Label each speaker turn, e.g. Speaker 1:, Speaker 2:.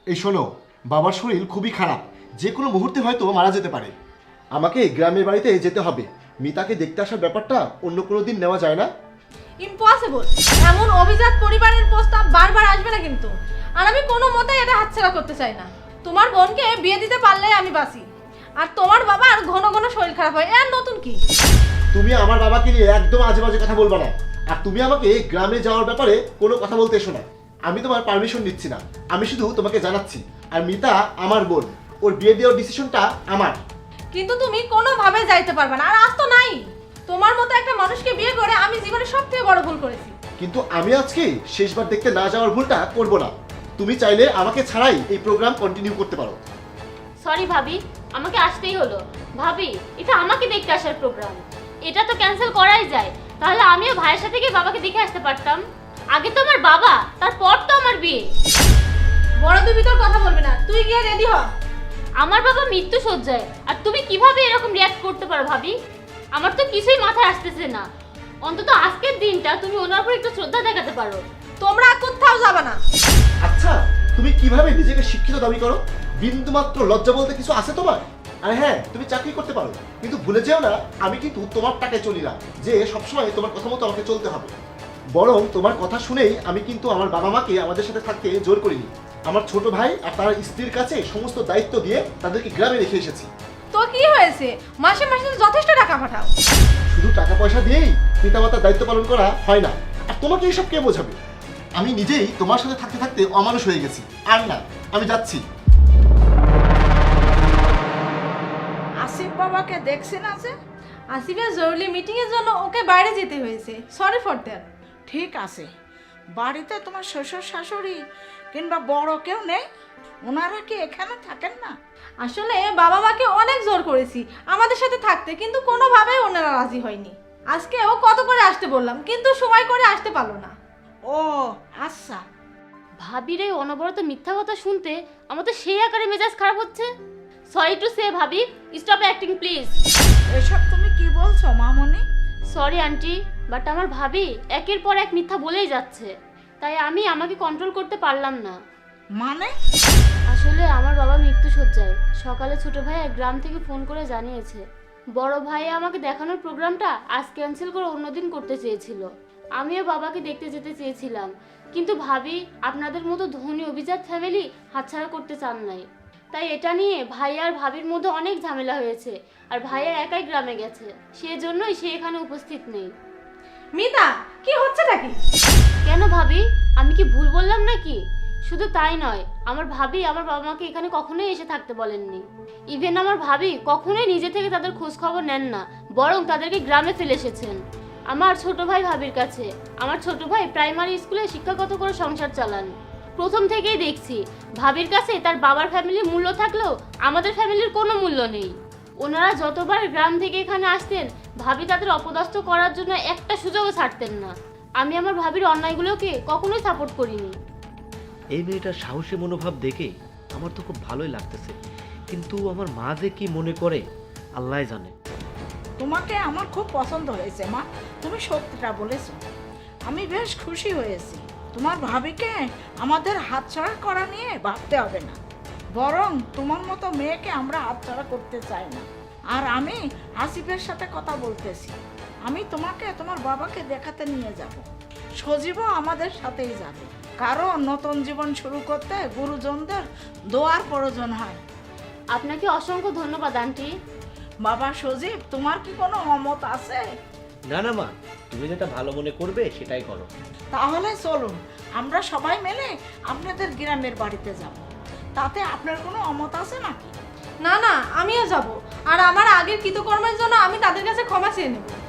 Speaker 1: এই শোনো, বাবার শরীর খুবই খারাপ, যে কোনো মুহূর্তে হয়তো মারা যেতে পারে। আমাকে গ্রামের বাড়িতে যেতে হবে। মিতাকে দেখতে আসার ব্যাপারটা অন্য কোনো দিন নেওয়া যায় না?
Speaker 2: ইম্পসিবল। এমন অভিজাত পরিবারের প্রস্তাব বারবার আসবে না কিন্তু। আর আমি কোনো মতেই এটা হাতছাড়া করতে চাই না। তোমার বোনকে বিয়ে দিতে পারলে আমি বাঁচি, আর তোমার বাবা আর ঘন ঘন শরীর খারাপ হয়, এর নতুন কি?
Speaker 1: তুমি আমার বাবাকে নিয়ে একদম আজে বাজে কথা বলবা না। আর তুমি আমাকে গ্রামে যাওয়ার ব্যাপারে কোনো কথা বলতে এসো না। আমি তোমার পারমিশন দিচ্ছি না, আমি শুধু তোমাকে জানাচ্ছি। আর মিতা আমার বোন, ওর বিয়ে দেওয়ার ডিসিশনটা আমার।
Speaker 2: কিন্তু তুমি কোনোভাবে যাইতে পারবে না, আর আজ তো নাই। তোমার মতো একটা মানুষকে বিয়ে করে আমি জীবনে সবথেকে বড় ভুল করেছি।
Speaker 1: কিন্তু আমি আজকে শেষবার দেখতে না যাওয়ার ভুলটা করব না। তুমি চাইলে আমাকে ছাড়াই এই প্রোগ্রাম কন্টিনিউ করতে পারো।
Speaker 3: সরি ভাবি, আমাকে আসতেই হলো। ভাবি, এটা আমাকে দেখতে আসার প্রোগ্রাম, এটা তো ক্যান্সেল করাই যায়। তাহলে আমিও ভাইয়ের সাথে গিয়ে বাবাকে দেখে আসতে পারতাম। আগে তো আমার বাবা, তারপর তো আমার বিয়ে।
Speaker 2: বড় দুই ভিতর কথা বলবে না, তুই গিয়ে রেডি হ।
Speaker 3: আমার বাবা মৃত্যু শয্যায়, আর তুমি কিভাবে এরকম রিয়াক্ট করতে পারো ভাবি? আমার তো কিছুই মাথায় আসতেছে না। অন্তত আজকের দিনটা তুমি ওনার উপর একটু শ্রদ্ধা দেখাতে পারো।
Speaker 2: তোমরা কোথাও যাবে না।
Speaker 1: আচ্ছা, তুমি কিভাবে নিজেকে শিক্ষিত দাবি করো? বিন্দুমাত্র লজ্জা বলতে কিছু আছে তোমার? আর হ্যাঁ, তুমি চাকরি করতে পারো, কিন্তু ভুলে যেও না আমি কিন্তু তোমার টাকায় চলি না যে সবসময় তোমার কথা মতো আমাকে চলতে হবে। বরং তোমার কথা শুনেই আমি কিন্তু আমার বাবা মাকে আমাদের সাথে থাকতে জোর করিনি। আমার ছোট ভাই আর তার স্ত্রীর কাছে সমস্ত দায়িত্ব দিয়ে তাদেরকে গ্রামে রেখে এসেছি।
Speaker 2: তো কি হয়েছে, মাসে মাসে তো যথেষ্ট টাকা পাঠাও।
Speaker 1: শুধু টাকা পয়সা দিয়েই পিতামাতার দায়িত্ব পালন করা হয় না। আর তোমাকে এইসব কে বোঝাবে? আমি নিজেই তোমার সাথে থাকতে থাকতে অমানুষ হয়ে গেছি। আর না, আমি যাচ্ছি।
Speaker 4: আসিফ বাবাকে দেখছেন আছে?
Speaker 2: আসিফের জরুরি মিটিং এর জন্য ওকে বাইরে যেতে হয়েছে, সরি ফর দ্যাট।
Speaker 4: ঠিক আছে, বাড়িতে তোমার শ্বশুর শাশুড়ি কিংবা বড় কেউ নেই? ওনারা কি এখানে থাকেন না?
Speaker 2: আসলে বাবা মাকে অনেক জোর করেছি আমাদের সাথে থাকতে, কিন্তু কোনোভাবেই ওনারা রাজি হয়নি। আজকে ও কত করে আসতে বললাম, কিন্তু সময় করে আসতে পারলো না।
Speaker 4: ও আচ্ছা।
Speaker 3: ভাবির এই অনবরত মিথ্যা কথা শুনতে আমার তো সেই আকারে মেজাজ খারাপ হচ্ছে। সরি টু সে ভাবি, স্টপ অ্যাক্টিং প্লিজ।
Speaker 4: এসব তুমি কি বলছো মামনি?
Speaker 3: সরি আন্টি, বাট আমার ভাবি একের পর এক মিথ্যা বলেই যাচ্ছে, তাই আমি আমাকে কন্ট্রোল করতে পারলাম না।
Speaker 4: মানে?
Speaker 3: আসলে আমার বাবা মৃত্যু শয্যায়। সকালে ছোট ভাই এক গ্রাম থেকে ফোন করে জানিয়েছে বড় ভাই আমাকে দেখানোর প্রোগ্রামটা আজ ক্যান্সেল করে অন্যদিন করতে চেয়েছিল। আমিও বাবাকে দেখতে যেতে চেয়েছিলাম, কিন্তু ভাবি আপনাদের মতো ধনী অভিজাত ফ্যামিলি হাতছাড়া করতে চান নাই। তাই এটা নিয়ে ভাই আর ভাবির মধ্যে অনেক ঝামেলা হয়েছে, আর ভাইয়া একাই গ্রামে গেছে, সেজন্যই সে এখানে উপস্থিত নেই।
Speaker 2: মিতা, কি হচ্ছে নাকি?
Speaker 3: কেন ভাবি, আমি কি ভুল বললাম নাকি? শুধু তাই নয়, আমার ভাবি আমার বাবা মাকে এখানে কখনোই এসে থাকতে বলেননি। ইভেন আমার ভাবি কখনোই নিজে থেকে তাদের খোঁজ খবর নেন না, বরং তাদেরকে গ্রামে ফেলে এসেছেন আমার ছোট ভাই ভাবির কাছে। আমার ছোট ভাই প্রাইমারি স্কুলে শিক্ষাগত করে সংসার চালান। প্রথম থেকেই দেখছি ভাবির কাছে তার বাবার ফ্যামিলির মূল্য থাকলেও আমাদের ফ্যামিলির কোনো মূল্য নেই। ওনারা যতবার গ্রাম থেকে এখানে আসতেন, ভাবি তাদের অপদস্থ করার জন্য একটা সুযোগও ছাড়তেন না। আমি আমার ভাবির অন্যায়গুলোকে কখনোই সাপোর্ট করিনি।
Speaker 5: এই মেয়েটার সাহসী মনোভাব দেখে আমার তো খুব ভালোই লাগতেছে, কিন্তু আমার মা যে কি মনে করে আল্লাহ জানে।
Speaker 4: তোমাকে আমার খুব পছন্দ হয়েছে মা, তুমি সত্যিটা বলেছো। আমি বেশ খুশি হয়েছি। তোমার ভাবিকে আমাদের হাতছাড়া করা নিয়ে ভাবতে হবে না, বরং তোমার মতো মেয়েকে আমরা হাতছাড়া করতে চাই না। আর আমি আসিফের সাথে কথা বলতেছি, আমি তোমাকে তোমার বাবাকে দেখাতে নিয়ে যাব। সজীবও আমাদের সাথেই যাবে, কারণ নতুন জীবন শুরু করতে গুরুজনদের দোয়ার প্রয়োজন হয়।
Speaker 3: আপনাকে অসংখ্য ধন্যবাদ আন্টি।
Speaker 4: বাবা সজীব, তোমার কি কোনো অমত আছে?
Speaker 5: না না মা, তুমি যেটা ভালো মনে করবে সেটাই করো।
Speaker 4: তাহলে চলুন আমরা সবাই মিলে আপনাদের গ্রামের বাড়িতে যাব। তাতে আপনার কোনো অমত আছে নাকি?
Speaker 2: না না, আমিও যাব, আর আমার আগের কৃতকর্মের জন্য আমি তাদের কাছে ক্ষমা চেয়ে নেব।